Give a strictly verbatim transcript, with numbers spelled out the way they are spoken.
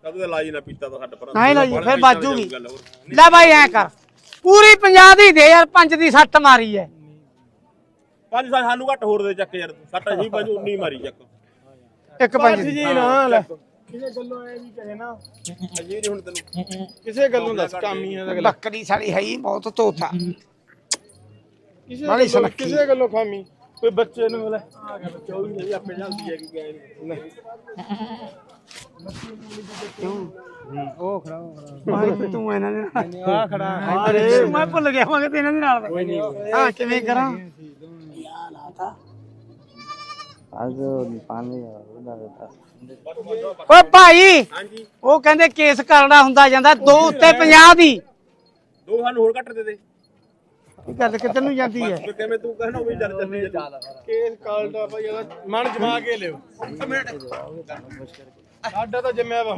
ਕਦੇ ਲਾਜੀ ਨਾ ਪੀਤਾ ਤਾਂ ਛੱਡ ਪਰ ਨਹੀਂ ਲਾਜੀ ਫਿਰ ਬਾਜੂਗੀ ਲੈ ਬਾਈ ਐ ਕਰ ਪੂਰੀ ਪੰਜਾਹ ਦੀ ਦੇ ਯਾਰ ਪੰਜ ਦੀ ਸੱਟ ਮਾਰੀ ਐ ਪੰਜ ਸੱਤ ਸਾਨੂੰ ਘੱਟ ਹੋਰ ਦੇ ਚੱਕ ਯਾਰ ਸੱਟ ਜੀ ਪੰਜ ਉੱਨੀ ਮਾਰੀ ਚੱਕ ਇੱਕ ਪੰਜ ਦੀ ਜੀ ਨਾ ਲੈ ਕਿਸੇ ਗੱਲੋਂ ਐ ਵੀ ਕਹੇ ਨਾ ਜੀ ਨਹੀਂ ਹੁਣ ਤੈਨੂੰ ਕਿਸੇ ਗੱਲੋਂ ਦੱਸ ਕਾਮੀ ਆ ਅਗਲਾ ਬੱਕਰੀ ਸਾਲੀ ਹੈ ਹੀ ਬਹੁਤ ਤੋਤਾ ਕਿਸੇ ਨਾਲੇ ਗੱਲੋਂ ਸੁਨੱਖੀ। ਕਿਸੇ ਗੱਲੋਂ ਖਾਮੀ ਕੋਈ ਬੱਚੇ ਨੂੰ ਲੈ ਆ ਗਿਆ ਬੱਚਾ ਉਹ ਵੀ ਨਹੀਂ ਆਪੇ ਜਾਂਦੀ ਹੈ ਕਿ ਗਏ ਉਹ ਖੜਾ ਉਹ ਖੜਾ ਭਾਈ ਤੂੰ ਇਹਨਾਂ ਦੇ ਨਾਲ ਆ ਖੜਾ ਅਰੇ ਮੈਂ ਭੁੱਲ ਗਿਆ ਮੈਂ ਕਿ ਇਹਨਾਂ ਦੇ ਨਾਲ ਕੋਈ ਨਹੀਂ ਹਾਂ ਕਿਵੇਂ ਕਰਾਂ आज पानी उड़ा देता ਓਏ ਭਾਈ ਹਾਂਜੀ ਉਹ ਕਹਿੰਦੇ ਕੇਸ ਕਰੜਾ ਹੁੰਦਾ ਜਾਂਦਾ ਦੋ ਉੱਤੇ ਪੰਜਾਹ ਦੀ ਦੋ ਸਾਨੂੰ ਹੋਰ ਘੱਟ ਦੇ ਦੇ ਇਹ ਗੱਲ ਕਿੱਧਰ ਨੂੰ ਜਾਂਦੀ ਹੈ ਬਸ ਕਿਵੇਂ ਤੂੰ ਕਹਿਣਾ ਉਹ ਵੀ ਚੱਲ ਚੱਲੀ ਕੇਸ ਕਾਲਦਾ ਭਾਈ ਇਹਦਾ ਮਨ ਜਮਾ ਕੇ ਲਿਓ ਸਾਡਾ ਤਾਂ ਜੰਮਿਆ ਵਾ